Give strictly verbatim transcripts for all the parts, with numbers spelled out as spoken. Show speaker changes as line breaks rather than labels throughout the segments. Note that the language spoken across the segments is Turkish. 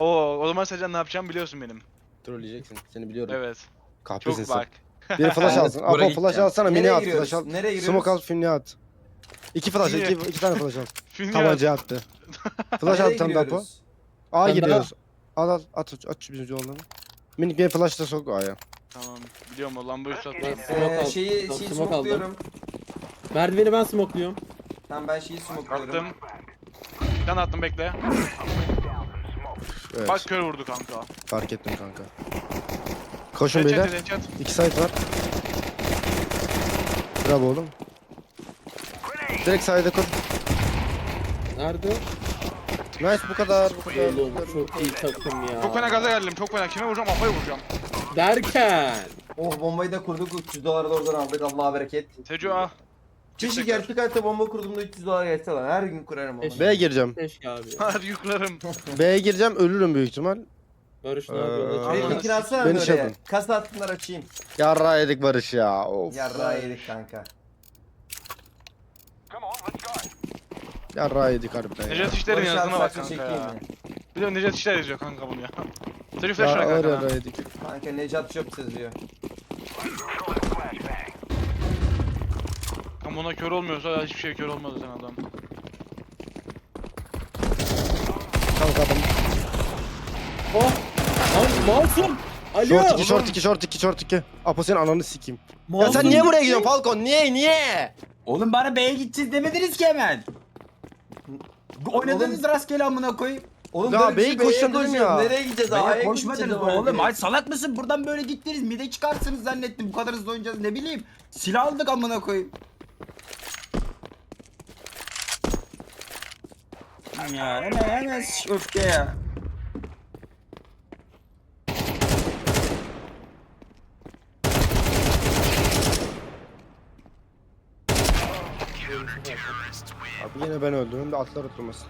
Oo, o zaman Sercan ne yapacağımı biliyorsun benim.
Trolleyeceksin. Seni biliyorum.
Evet.
Kahpesin
Çok
sen.
bak.
Bir flash
Ben de
alsın.
spora
Apo flash
gideceğim.
alsana. Mini
Nereye
at
giriyoruz?
flash al.
Nereye giriyoruz?
Smoke al filmini at. İki flash,
Niye?
iki, iki tane flash al.
Film
Tabanca attı. Flash
Nereye
al tam da Apo.
giriyoruz?
A
Ben
giriyoruz. Al al at at şu bizim yolunu. Minik bir flash da sok A'ya.
Tamam. Biliyorum o lambayı
Ben
satmam.
smoke
Ee,
aldım.
şeyi,
Tamam,
şeyi
smoke aldım.
smokluyorum.
Merdiveni ben smokluyorum.
Tamam ben şeyi smokluyorum.
Attım. Bir tane attım bekle.
Evet.
Bak kör vurdu kanka.
Fark ettim kanka. Koşun
Headshot
beyler.
dedi, headshot.
İki side var. Bravo oğlum. Direkt side'e koş.
Nerede?
Nice bu kadar bu kadar.
Oğlum çok iyi takım ya.
Çok fena gaza geldim. Çok fena. Kime vuracağım? Afaya vuracağım.
Derken.
Oh bombayı da kurduk. üç yüz doları da oradan aldık. Allah'a bereket.
Seco ah.
Kişi gerçek hayatta bomba kurduğumda üç yüz dolar geçse lan. Her gün kurarım onu.
Eş-
B'ye gireceğim.
Keşke abi. ya.
Hadi yüklerim.
B'ye gireceğim ölürüm büyük ihtimal.
Barış ne
Ee,
yapıyor?
Tamam.
Benim
Tamam.
linkini atsana
Beni
Beni
şey
oraya.
yapın.
Kasa atsınlar açayım.
Yarra yedik Barış ya. Of.
Yarrağı yedik kanka.
Yarra yedik harbiden ya.
Necdet İşler'in
Barış
yazdığına
abi
bak
saçını
kanka
çekeyim
ya.
mi?
Biliyorum Necdet İşler yazıyor kanka bunu ya. Seco flash
Ya
ver
ağır
kanka.
yarra
bana.
yedik.
Kanka Necat Şop yazıyor.
Kanka buna kör olmuyorsa hiçbir şey kör olmaz sen adam.
Kanka adam.
Oh! Lan masum! Alo!
Short iki short iki short iki short iki. Apo senin ananı sikeyim. Ya
Masum
sen niye buraya
gitti.
gidiyorsun Falcon? Niye niye?
Oğlum bana B'ye gideceğiz demediniz ki hemen. Oynadınız rastgele amına koyayım.
Oğlum
Ya
böyle bir
B'yi
şey B'ye
koşacağım dedim
konuşuyorum.
ya.
Nereye gideceğiz?
B'ye
A'ya
koşmadınız
gideceğiz
oğlum.
oğlum.
Ay salak mısın? Buradan böyle gittiniz. Mide çıkarsınız zannettim. Bu kadar hızlı oynayacağız ne bileyim. Silah aldık amına koyayım. Ya hemen hemen şş, öfke ya.
Abi yine ben öldüm de atlar oturmasın.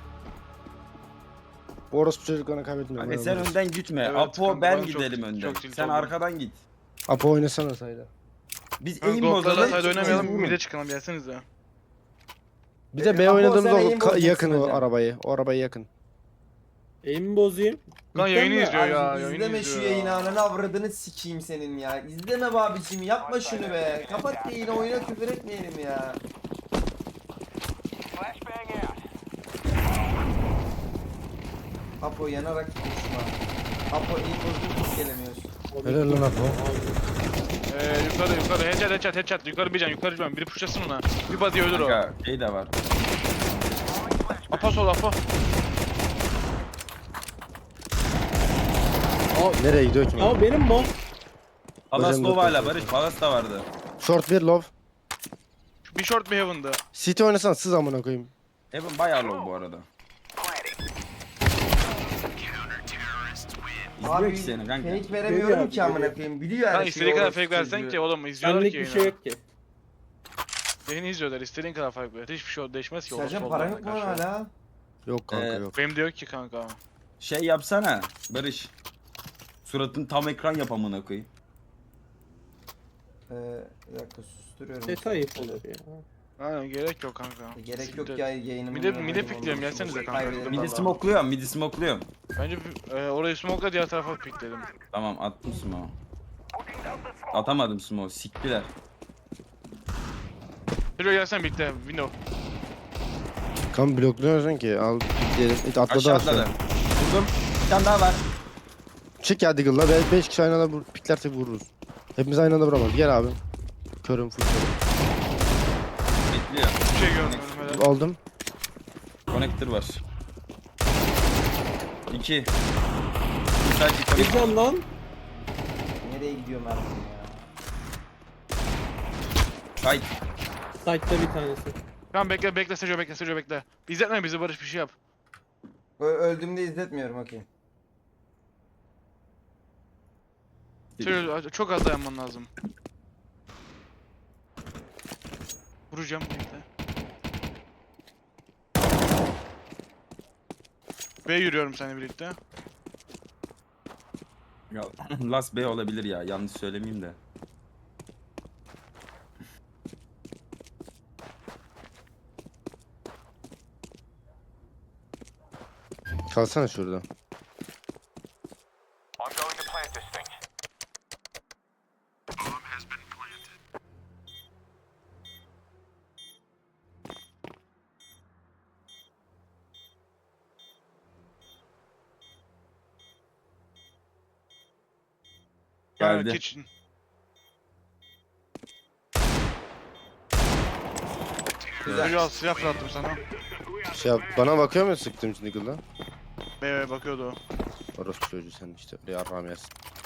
Bu orospu çocuklarını kaybetmiyorum.
Hani sen önden gitme.
Evet,
Apo
kanka,
ben
ben çok-
gidelim önden.
çok tilt
Sen
oldum.
arkadan git.
Apo oynasana sayda.
Biz
Kanka
eğim
Gold'larla
bozalım.
side oynamayalım.
siz
Mide çıkalım gelsenize.
Bir de
E,
B
Apo,
oynadığımızda
sen
o
aim
ka-
bozacaksın
yakın o
hocam.
arabayı. O arabayı yakın.
Eğimi bozayım.
Lan
İzleme
yayını izliyor ya.
abi,
Yayını
İzleme
izliyor
şu
ya.
yayını ananı avradını sikeyim senin ya. İzleme be abicim yapma şunu be. Kapat yayını oyuna küfür etmeyelim ya. Apo yanarak konuşma. Apo iyi bozdun hiç gelemiyorsun.
Helal lan Apo.
Eee yukarı yukarı headshot headshot headshot yukarı bir can yukarı bir can biri pushlasın ona. Bir body ölür o.
Kanka şey de var.
Apa sol apa.
Nereye gidiyor ki?
Ya benim mal.
Palas
Hocam
Nova
doktor.
ile Barış. Palas da vardı.
Short bir love.
Bir short bir heaven'dı.
City oynasana sız amına koyayım.
Evan bayağı low bu arada. İzliyor
Abi
ki seni kanka.
fake veremiyorum
Görüyor
ki
abi,
amına koyayım. Biliyor her
Lan
şeyi.
istediğin kadar
orospu
fake versen
çocuğu.
ki oğlum izliyorlar ki
Benlik bir
yayını.
şey yok ki.
Yayını izliyorlar istediğin kadar fake ver. Hiçbir şey değişmez ki.
Sercan
orası
para
olmadan
yok mu lan
karşı.
hala?
Yok kanka
Ee,
yok.
Benim de yok ki kanka.
Şey yapsana Barış. Suratın tam ekran yap amına koyayım.
Ee, bir dakika susturuyorum.
Ses ayıp olur ya.
Aynen gerek yok kanka.
E, Gerek
Siktir.
yok ya yayınımı.
Mide- mide pikliyorum, gelsenize kanka.
Kaybederim
Midi
vallahi.
smokluyorum, midi smokluyorum.
Bence e, orayı smoke'la diğer tarafa pikledim.
Tamam attım smoke. Atamadım smoke, siktiler.
Şuraya gelsen birlikte window.
Kan blokluyorsun ki al gidelim. İt atladı
Aşağı
aşağı.
atladı. Vurdum. Bir tane daha var.
Çık ya Diggle'la. beş kişi aynı anda vur, piklersek vururuz. Hepimiz aynı anda vuramaz. Gel abi. Körüm full körüm.
Bekliyor.
Bir şey görmüyorum helal.
Aldım.
Connector var. İki. Sadece
Bir
connector.
can lan.
Nereye gidiyor Mert'im ya?
Kayıt.
Site'da bir tanesi.
Tamam bekle bekle Sejo bekle Sejo bekle. İzletme bizi Barış bir şey yap.
Ö öldüğümde izletmiyorum okey.
Sejo çok az dayanman lazım. Vuracağım bekle. B yürüyorum seninle birlikte.
Ya, Last B olabilir ya, yanlış söylemeyeyim de.
Kalsana şurada.
Ha,
Geldi.
kitchen.
Güzel.
Çocuğa silah fırlattım sana.
Şey yap, bana bakıyor mu sıktığım için Deagle'da?
Beye bakıyordu o.
Orospu çocuğu sen işte. Oraya armağan yersin.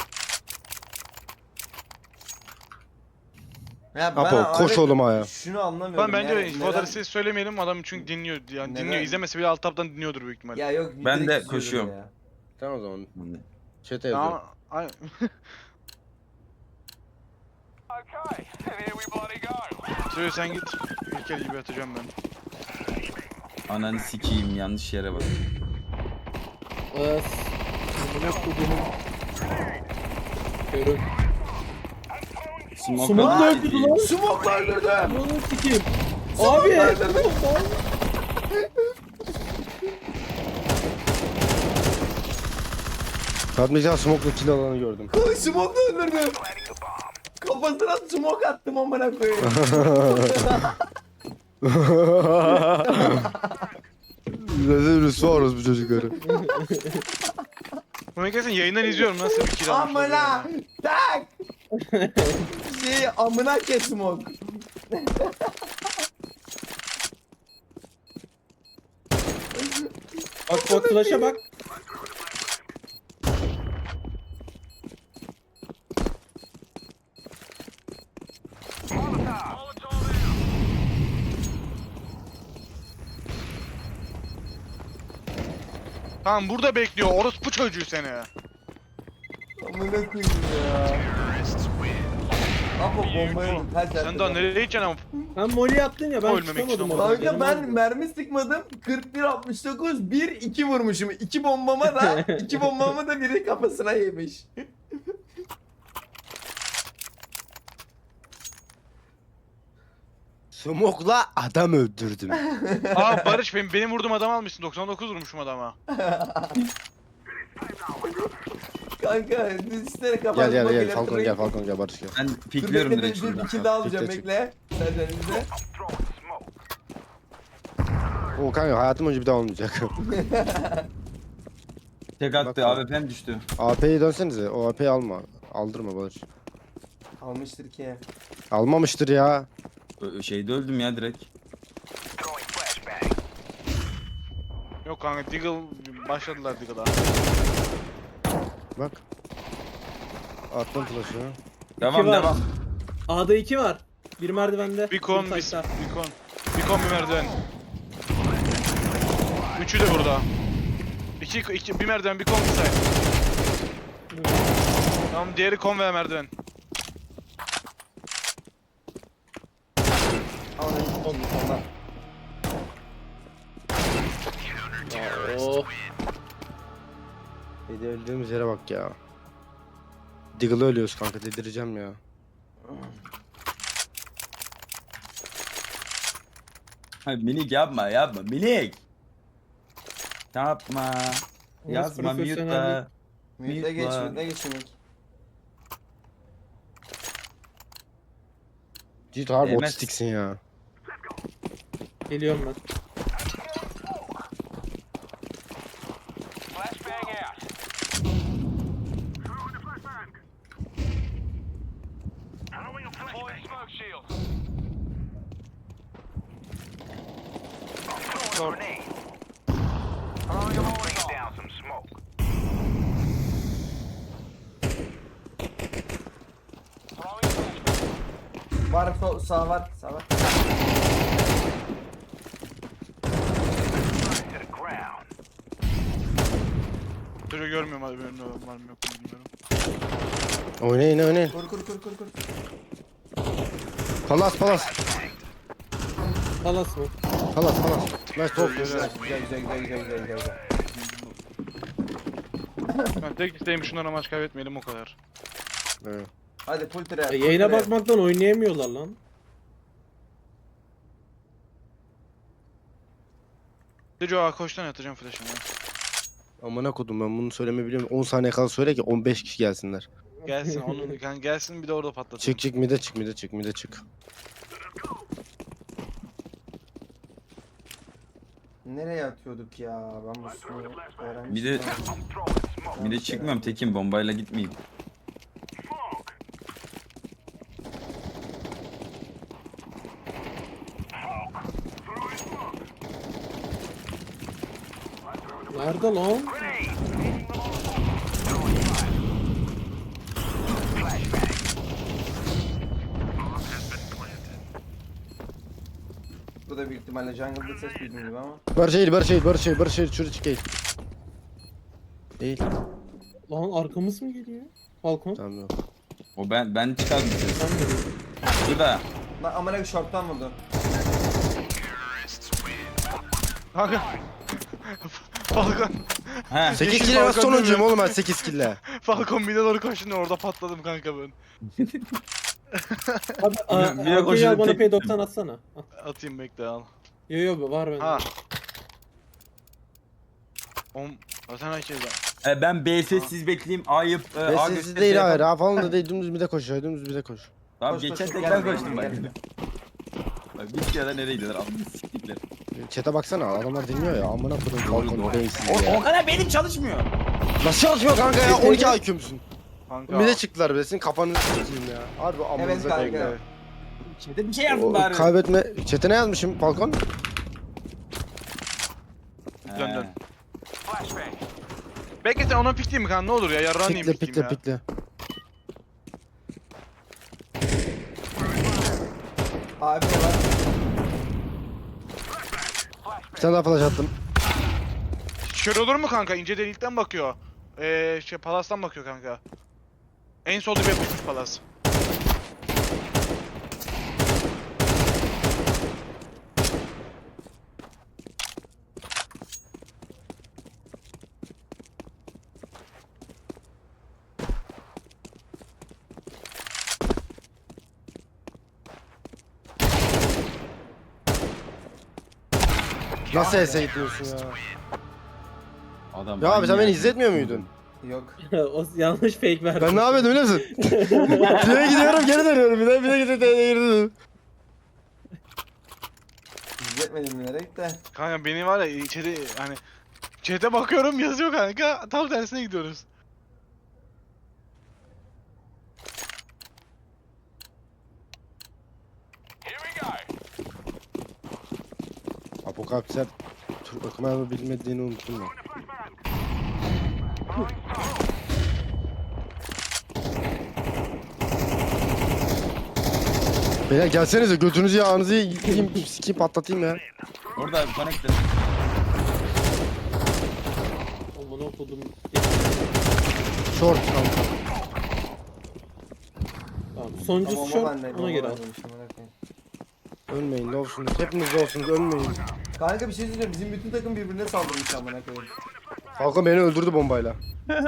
Ya
Apo
abi
koş oğlum ayağa.
Şunu anlamıyorum.
Lan bence
yani
infoları
neden-
siz söylemeyelim adam çünkü dinliyor yani
Neden?
dinliyor izlemese bile alt tabdan dinliyordur büyük ihtimal.
Ya yok.
Ben
direkt
de
izliyordur
koşuyorum.
ya.
Tamam o zaman. Chat'e yazıyorum.
Ama ay- Söyle sen git. İlkel gibi atacağım ben.
Ananı sikeyim, yanlış yere bak.
As. Amına kodumun. Körüm.
Smoke
Smoke
öldü.
öldürdü lan.
Smoke öldürdü.
Amına sikeyim. Abi.
Katmayacağım smoke'la kill alanı gördüm.
Smoke öldürdü. Kafasına smoke attım amına koyayım.
Rezil rüsva orospu çocukları.
Bunu kesin yayından izliyorum nasıl bir kill almış oluyor
Amına
yani.
tak. Şey amına ke smoke.
Bak bak flash'a bak.
Tamam burada bekliyor orospu çocuğu seni.
Amına koyayım ya. Apo bombayı kaç
Sen daha nereye gideceksin ama?
Sen molly attın ya ben
Ölmemek için
tutamadım
ama.
orada.
Kanka
Benim
ben
oldu.
mermi sıkmadım. kırk bir altmış dokuz bir iki vurmuşum. iki bombama da iki bombama da biri kafasına yemiş.
Smoke'la adam öldürdüm.
Aa Barış benim, benim vurduğum adam almışsın. doksan dokuz vurmuşum adama.
Kanka üstlere kafa
Gel gel gel Falcon gel Falcon gel Barış gel.
Ben pikliyorum direkt
Bir
şuradan.
kill daha alacağım
Çık, çık.
bekle. Sen önünde.
O kanka hayatım önce bir daha olmayacak.
Tek attı,
Bak-
A W P'm düştü.
A P'yi dönsenize. O A P'yi alma. Aldırma Barış.
Almıştır ki.
Almamıştır ya.
Ö- Şeyde öldüm ya direkt.
Yok kanka Deagle başladılar Deagle'a.
Bak. Attım flash'ı.
Devam
var.
devam.
A'da iki var. Bir merdivende.
Bir kon,
bir
bir,
taşta.
bir kon. Bir kon bir merdiven. Üçü de burada. İki, iki, bir merdiven, bir kon bir say. Tamam diğeri kon ve merdiven.
On, ondan. Oh.
Bir de öldüğümüz yere bak ya. Deagle'ı ölüyoruz kanka dedireceğim ya.
Hayır, minik yapma yapma minik. Yapma. Yazma
profesyonellik?
mute'la.
Mütle geç,
Mütle.
mütle geç Ümit.
Ciddi harbi
Değmez.
otistiksin ya.
Geliyorum ben.
Var sol, sağ var, sağ var.
Çocuğu görmüyorum hadi benim de var mı yok mu bilmiyorum.
Oynayın oynayın.
Kur kur kur kur kur.
Palas palas.
Palas mı?
Palas palas. Nice top.
Güzel güzel güzel güzel güzel güzel güzel.
Ben tek isteğim şunlara maç kaybetmeyelim o kadar.
Evet.
Hadi full tire.
E,
full
yayına
tire.
bakmaktan oynayamıyorlar lan.
Çocuğa koştan atacağım flash'ını.
Amına kodum ben bunu söylemeyi biliyorum. on saniye kala söyle ki on beş kişi gelsinler.
Gelsin onun kan gelsin bir de orada patlatalım.
Çık çık mide çık mide çık mide çık.
Nereye atıyorduk ya? Ben bu smoke'u öğrenmiştim.
Bir de
ama.
bir de çıkmıyorum tekim bombayla gitmeyeyim.
Nerede lan?
Bu da büyük ihtimalle jungle'da ses duydum gibi ama.
Barış değil Barış değil Barış değil Barış değil şuraya çık değil. Değil.
Lan arkamız mı geliyor? Balkon.
Tamam yok.
O ben ben çıkardım ses.
Sen de.
Burada.
Lan amına bir short'tan vurdu.
Kanka. Falcon.
He.
sekiz
Yeşil
kille nasıl
balkon
sonuncuyum
dönüyor.
oğlum ben sekiz kille.
Falcon bir de doğru koştu orada patladım kanka ben.
Abi
Bir-
a-
bir yok, o
arkayı al
şimdi
bana
tek-
P doksan atsana. Ah,
Atayım bekle al.
Yo yo var bende.
Ha. Om. Zaten herkes var.
E, ben B sessiz bekleyeyim. Ayıp. E, A
Ve sessiz
gösterisi
değil
yapalım.
hayır ha falan da değil dümdüz mide koş ya dümdüz mide koş.
Tamam
Koş, koş,
geçen
koş,
tek
gel
ben
buraya,
koştum bak.
gel.
Bak bir kere nereye gidiyorlar? Amına siktikler.
Chat'e baksana adamlar dinliyor ya amına kodum balkon beyinsiz
O,
ya.
o kadar benim çalışmıyor.
Nasıl çalışmıyor kanka ya on iki I Q'msun.
Kanka.
Mide çıktılar be senin kafanı s**eyim ya. Harbi amanıza
kanka.
koyayım ya.
Şeyde bir şey yazdım
O,
bari.
kaybetme chat'e ne yazmışım Falcon?
He.
Dön, dön. Bekle sen ona pikleyeyim mi kanka ne olur ya yarrağını yiyeyim
Pikle
pikleyeyim
pikle
ya.
pikle.
Abi var.
Bir tane daha flash attım.
Şöyle olur mu kanka ince delikten bakıyor. Eee şey palastan bakıyor kanka. En solda bir yapışmış palas.
Nasıl S'e gidiyorsun ya?
Adam
Ya abi sen beni
manyak.
izletmiyor muydun?
Yok.
o yanlış fake verdi.
Ben ne yapıyordum biliyor musun? Şuraya gidiyorum geri dönüyorum bir de bir de gidip geri dönüyorum.
İzletmedim bilerek de.
Kanka beni var ya içeri hani chat'e bakıyorum yazıyor kanka tam tersine gidiyoruz.
Apokalipsler Türk okumayı bilmediğini unuttum ben. Beyler gelsenize götünüzü yağınızı yiyeyim sikeyim patlatayım ya.
Orada connector.
Aman okudum.
Short kanka.
Tamam. Sonuncusu
Tamam,
short.
ben de-
Ona göre al.
ben de- amına koyayım.
Ölmeyin ne olsunuz hepiniz de olsunuz ölmeyin.
Kanka bir şey söyleyeceğim. Bizim bütün takım birbirine saldırmış amına koyayım.
Falcon beni öldürdü bombayla.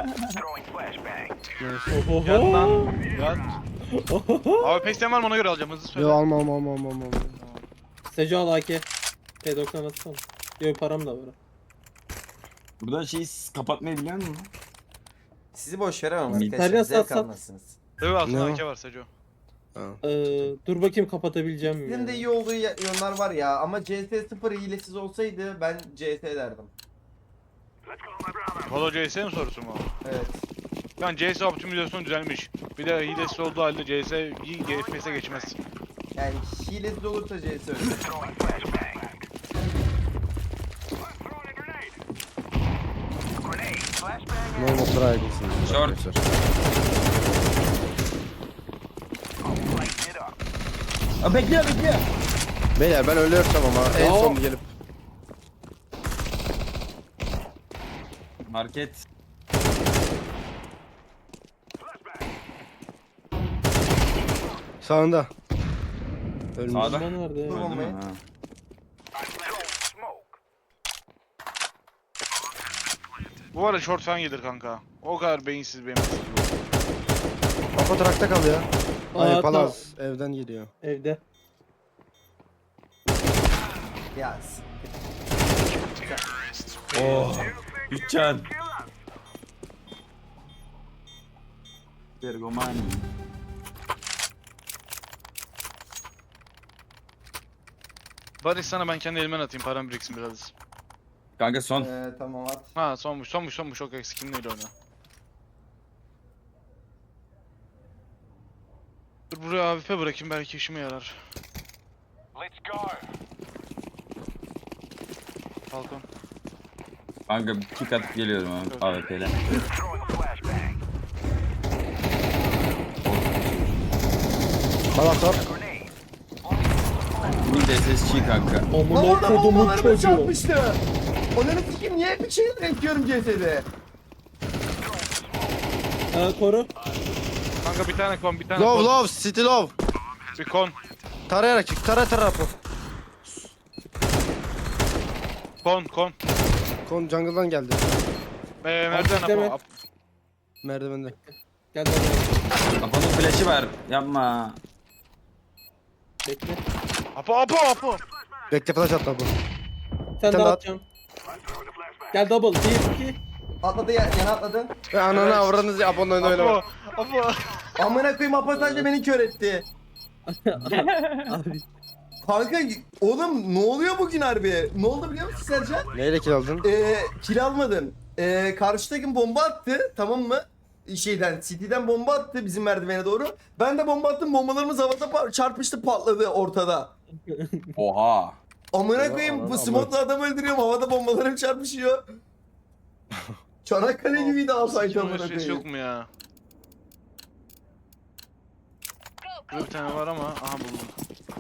Oho.
Yat lan yat. Abi pesten var mı ona göre alacağım hızlı söyle.
Yo alma alma alma alma alma.
Seco al A K. P doksan atsana. Yo param da var.
Burada şeyi siz kapatmayı biliyor musun?
Sizi boş veremem
Mid-
arkadaşlar.
Terya
Zevk
sat, sat.
almazsınız.
Evet
Ne
aslında
o?
A K var Seco.
Ee, dur bakayım kapatabileceğim mi?
Bizim
ya?
de iyi olduğu ya- yönler var ya ama C S sıfır hilesiz olsaydı ben C S derdim.
Valo C S'nin sorusu mu?
Evet.
Yani C S optimizasyonu düzelmiş. Bir de hilesiz olduğu halde C S iyi F P S'e geçmez.
Yani hilesiz olursa C S ölür.
Normal try'dısınız.
Short.
arkadaşlar.
Aa, bekliyor bekliyor.
Beyler ben ölürsem ama en
Ya.
son gelip.
Market.
Sağında. Ölmüş.
Sağda.
Bomba nerede?
Dur
Öldü
bombayı.
mü? Ha.
Bu arada short falan gelir kanka. O kadar beyinsiz benim.
Kafa trakta kalıyor. Hayır
Aa,
palaz evden geliyor.
Evde.
Ya s-
Oh. Üç can. Ergomani.
Barış sana ben kendi elimden atayım, param biriksin biraz.
Kanka son.
Ee, tamam at.
Ha sonmuş sonmuş sonmuş, çok eksikinliyle oyna. Dur buraya A W P bırakayım, belki işime yarar. Falcon.
Kanka bir kick atıp geliyorum abi A W P ile.
Palaklar.
Mid S S G kanka.
Lan
Amına
orada
kodumun
bombalarımı
çocuğu.
çarpmıştı. Onların sikim niye hep bir şeyler ekliyorum C S'de?
Ee, koru.
Kanka bir tane kon, bir tane
Love
kon.
love city love.
Bir kon.
Tarayarak çık. Tara tara rapo.
Kon kon.
Kon jungle'dan geldi.
Ee, merdiven
bekleme.
apa.
Merdivende.
Gel bana.
Kafanın flash'i var. Yapma.
Bekle.
Apo apo apo.
Bekle flash at Apo.
Sen
Sen
de
de at.
atacağım. Gel double. bir iki.
Atladı ya, yana atladı.
Ve ananı avradınız ya Apo'nun önüne
Apo
oynama.
apo.
Amına koyayım Apo sadece beni kör etti.
Abi.
Kanka oğlum ne oluyor bugün harbi? Ne oldu biliyor musun Sercan?
Neyle kill aldın?
Ee, kill almadım. Ee, karşı takım bomba attı, tamam mı? Şeyden, City'den bomba attı bizim merdivene doğru. Ben de bomba attım, bombalarımız havada pa- çarpıştı, patladı ortada.
Oha.
Amına
Ama-
koyayım
ama-
bu smoke'la adam öldürüyorum, havada bombalarım çarpışıyor. Çanakkale gibiydi Alsayt
Sikim
amına
alışveriş yok
koyayım.
mu ya? Burada bir tane var ama, aha buldum.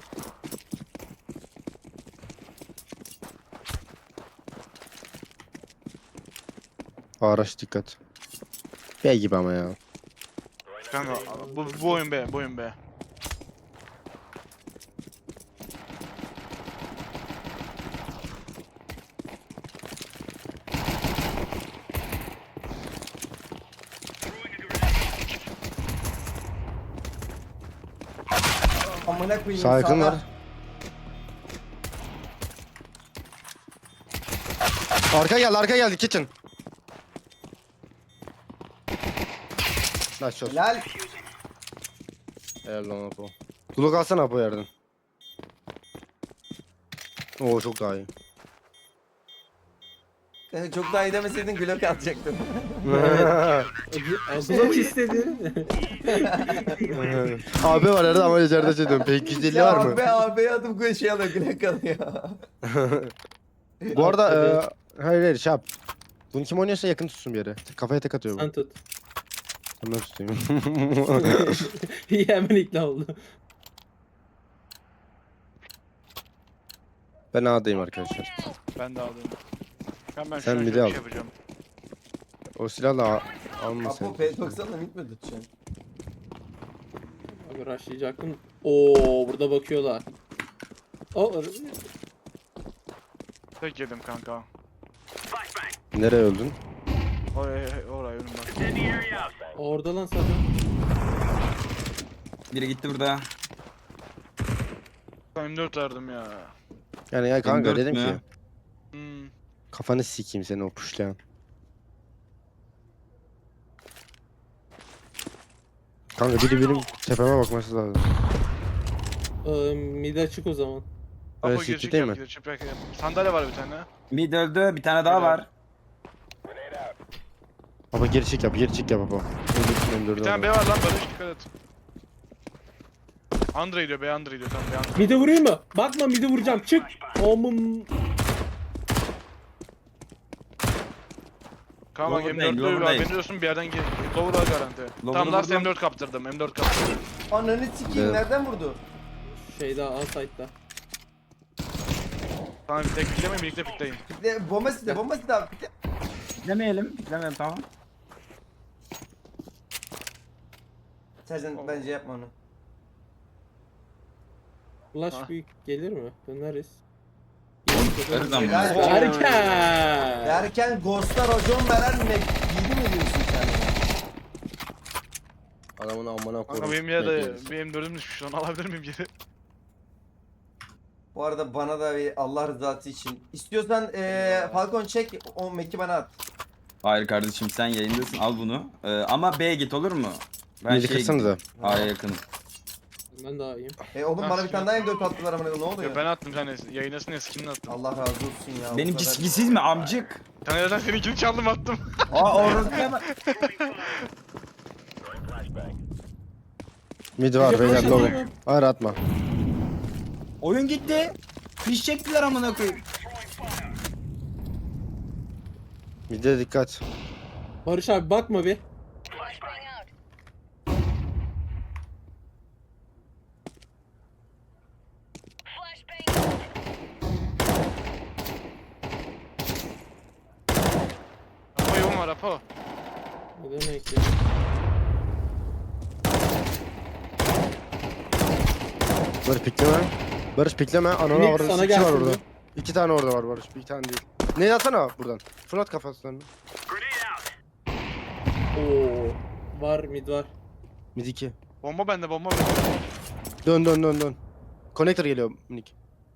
Araç dikkat. B gibi ama ya.
Kanka bu, bu oyun be, bu oyun be.
Amına koyayım
Sağ yakın
sağda.
var. Arka geldi arka geldi kitchen. Nice shot.
Helal.
Helal lan Apo. Kulak alsana Apo yerden. Oo çok daha iyi.
Kanka çok daha iyi demeseydin Glock atacaktım.
Glock istedi.
Abi var arada ama içeride şey diyorum. P iki yüz elli var mı?
Abi abi adım koy şey alıyor Glock alıyor.
Bu arada e, hayır hayır şey yap. Bunu kim oynuyorsa yakın tutsun bir yere. Kafaya tek atıyor bu.
Sen tut.
Ben tutayım.
İyi hemen ikna oldu.
Ben A'dayım arkadaşlar.
Ben de aldım. Ben ben
Sen
şuna
midi
şöyle
al.
bir şey yapacağım.
O silahla A- alma sen.
Apo P doksanla mid mi tutacaksın?
Abi rushlayacaktım. Oo burada bakıyorlar. O
Tek yedim kanka.
Nereye öldün?
Oraya oraya önüm bak.
orada lan sana.
Biri gitti burada.
M dört verdim ya.
Yani ya kanka
M dört
dedim
mü?
ki
Hmm.
kafanı sikeyim seni o puşlayan. Kanka biri benim tepeme bakması lazım.
Ee, mid açık o zaman.
Apo
Evet,
girişik
ciddi değil
yap,
mi?
girişik yap. Sandalye var bir tane.
Mid öldü. Bir tane daha var.
Baba geri çık yap, geri çık yap baba.
Bir tane B var lan, Barış dikkat et. Andre diyor, B Andre diyor, tamam B Andre.
Mid'e vurayım mı? Bakma mid'e vuracağım. Çık. Omum.
Kaan bak
Lower'dayım,
M dörtlü var,
lower'dayım.
beni diyorsun bir yerden gir. Lower'a garanti. Tamam last
vurdum.
M dört kaptırdım, M dört kaptırdım.
Ananı sikeyim
Evet.
nereden vurdu?
Şeyde A site'da.
Tamam bir tek piklemeyin, birlikte pikleyin.
De, bomba site bomba site abi. Bir de-
Demeyelim. Demeyelim tamam.
Sercan bence yapma onu.
Flash
Ha.
büyük gelir mi? Döneriz.
Her zaman.
Helal.
Erken.
Derken Ghost'a racon veren ne? Yedi mi diyorsun sen?
Adamın amına
Kanka
koyayım.
benim yerde bir M dördüm düşmüş, onu alabilir miyim geri?
Bu arada bana da bir Allah rızası için. İstiyorsan eee Falcon çek o meki bana at.
Hayır kardeşim sen yayındasın al bunu. Ee, ama B'ye git olur mu? Ben
Midi
şey
kırsanıza.
A'ya yakınım.
Ben daha iyiyim.
E oğlum bana bir tane daha M dört attılar amına koyayım, ne
Ya
oluyor?
ben attım sen yayınlasın ya skinini attım.
Allah razı olsun ya. bu
Benimki
kadar-
skisiz mi amcık?
Bir tane zaten seninkini çaldım attım.
Aa orası bak.
Midi var beyler low. Hayır atma.
Oyun gitti. Fiş çektiler amına koyayım.
Mid'e dikkat.
Barış abi bakma bir.
Apo yoğun var Apo.
Ne demek ya?
Barış pikleme. Barış pikleme. Anana
Minik
var.
sana
İki var
gelsin
orada.
bu.
İki tane orada var Barış. Bir tane değil. Ne atsana buradan. Fırlat kafaslarını.
Oo. Var mid var.
Mid iki.
Bomba bende bomba bende.
Dön dön dön dön. Connector geliyor minik.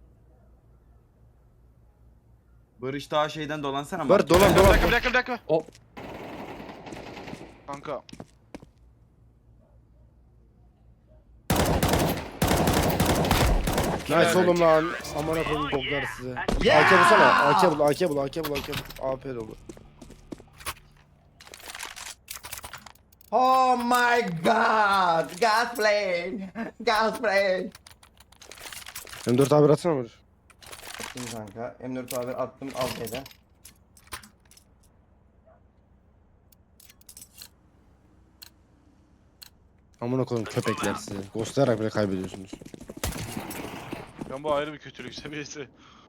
Barış daha şeyden dolansana.
Barış dolan
Bir
dolan.
dakika bir dakika bir dakika.
Hop.
Kanka.
Nice oğlum lan. Aman koyayım boklar size.
Yeah!
A K bulsana. A K bul, A K bul, A K bul, A K bul. A P dolu.
Oh my god! Gas plane! Gas plane!
M dört haber atsana Barış.
Şimdi kanka M dört haber attım al B'den.
Amına koyayım köpekler size. Ghostlayarak bile kaybediyorsunuz.
Ben bu ayrı bir kötülük seviyesi.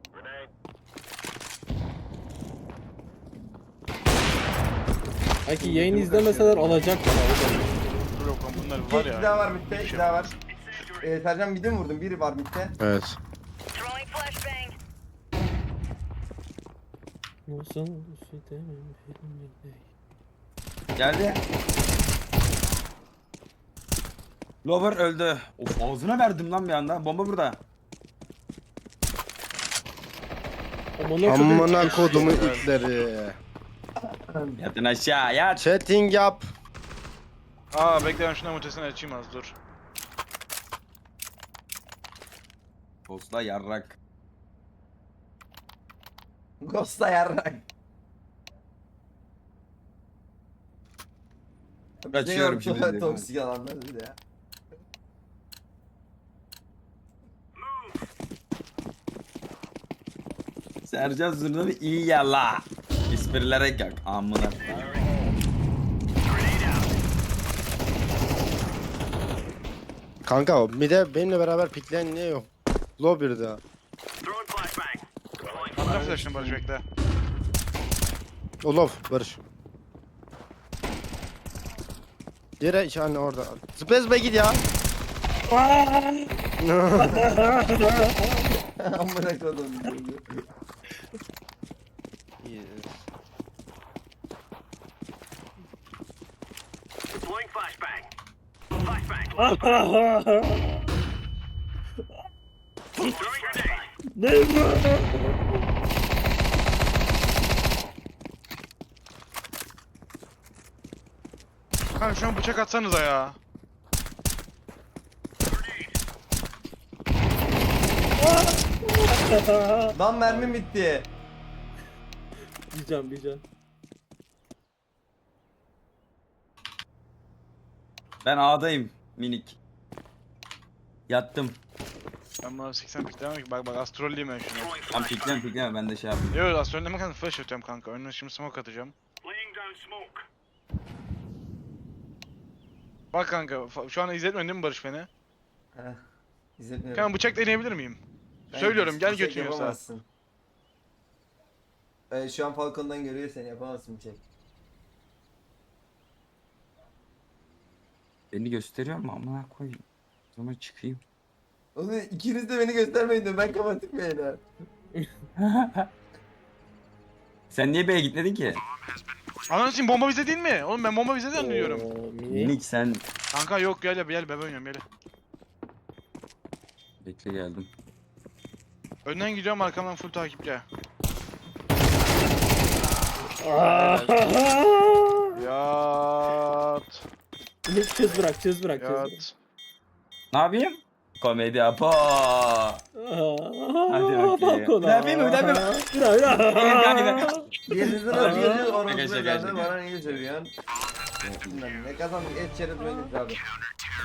Belki yayını izlemeseler alacaklar abi.
Dur yok lan bunlar
İki,
var
iki
ya.
daha var midde,
Bir
iki
şey
daha var.
yapmaz.
Ee, Sercan midi mi vurdun? Biri var midde.
Evet.
Throwing flashbang.
Nasıl
Geldi. Lover öldü. Of ağzına verdim lan bir anda. Bomba burada.
Amına kodumun itleri.
Yatın aşağı yat.
Chatting yap.
Aa bekle ben şuna mutesini açayım az dur.
Postla yarrak.
Ghost'a yarrak.
Kaçıyorum
Bize yok,
şimdi.
Toksik alanlar bir de ya.
Sercan Zurna'nı iyi yala. İsprilere gel. Amına.
Kanka mid'e benimle beraber pikleyen niye yok? Low bir daha.
Atla flash'ını Barış bekle.
O low Barış. Diğeri işte anne orada. Space Bay git ya.
Amına kodum.
Kanka şu an bıçak atsanıza ya.
Lan mermim bitti.
Bir can bir can.
Ben A'dayım minik. Yattım.
Ben buna seksen piklemem ki bak bak astrolliyim ben şunu.
Tam pikleme pikleme ben de şey yapayım.
Yok astrolleme kanka flash atıyorum kanka. Önüne şimdi smoke atacağım. Bak kanka fa- şu an izletmedin değil mi Barış beni?
Heh. İzletmiyorum.
Kanka bıçak deneyebilir miyim?
Ben
Söylüyorum gel
bir şey
götürüyorsa.
yapamazsın. Ee, şu an Falcon'dan görüyor seni yapamazsın bir şey.
Beni gösteriyor mu amına koyayım. O zaman çıkayım.
Oğlum ikiniz de beni göstermeyin de ben kapatayım beyler.
Sen niye B'ye gitmedin ki?
Ananı sikeyim bomba bize değil mi? Oğlum ben bomba bizeden duyuyorum.
Oo, mini.
Minik sen.
Kanka yok gel gel bebe oynuyorum gel.
Bekle geldim.
Önden gidiyorum arkamdan full takipçi. Yat.
Ümit çöz bırak çöz bırak çöz bırak.
Yat.
Ne yapayım? Komedi yapı. Hadi bakayım.
Bak ona.
Bir yapayım mı? Bir yapayım mı?
Bir daha bir daha.
Yerinizde nasıl geziyor? Orası
Arkadaşlar
da
gerçekten.
bana niye söylüyorsun? Bilmem ne kazandık et çerez oynadık abi.